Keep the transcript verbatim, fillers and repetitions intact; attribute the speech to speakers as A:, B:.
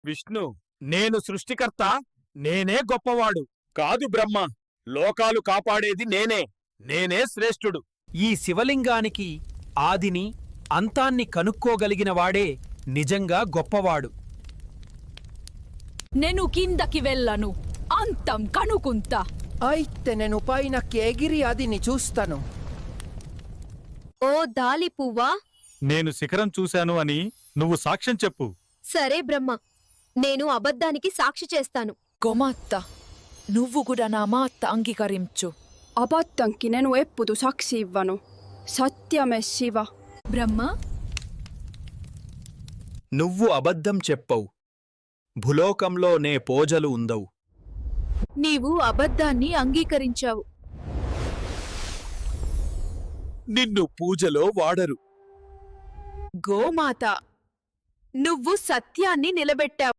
A: విష్ణు, నేను సృష్టికర్త, నేనే గొప్పవాడు. కాదు బ్రహ్మ, లోకాలు కాపాడేది నేనే. నేనే శ్రేష్ఠుడు.
B: ఈ శివలింగానికి ఆదిని అంతాన్ని కనుక్కోగలిగినవాడే నిజంగా గొప్పవాడు.
C: నేను కిందకి వెళ్ళను, అంతం కనుకుంటా.
D: అయితే నేను పైనకి ఎగిరి ఆదిని చూస్తాను.
E: ఓ దాలి పువ్వా,
A: నేను శిఖరం చూశాను అని నువ్వు సాక్ష్యం చెప్పు.
E: సరే బ్రహ్మ, నేను అబద్ధానికి సాక్షి చేస్తాను.
C: గోమాత్త, నువ్వు కూడా నా మాట అంగీకరించు.
F: అబద్ధంకి నేను ఎప్పుడు సాక్షి ఇవ్వను. సత్యమే శివ.
C: బ్రహ్మ,
B: నువ్వు అబద్ధం చెప్పవు. భూలోకంలో నే పోజలు ఉందవు.
C: నీవు అబద్ధాన్ని అంగీకరించావు.
A: నిన్ను పూజలో వాడరు.
C: గోమాత, నువ్వు సత్యాన్ని నిలబెట్టావు.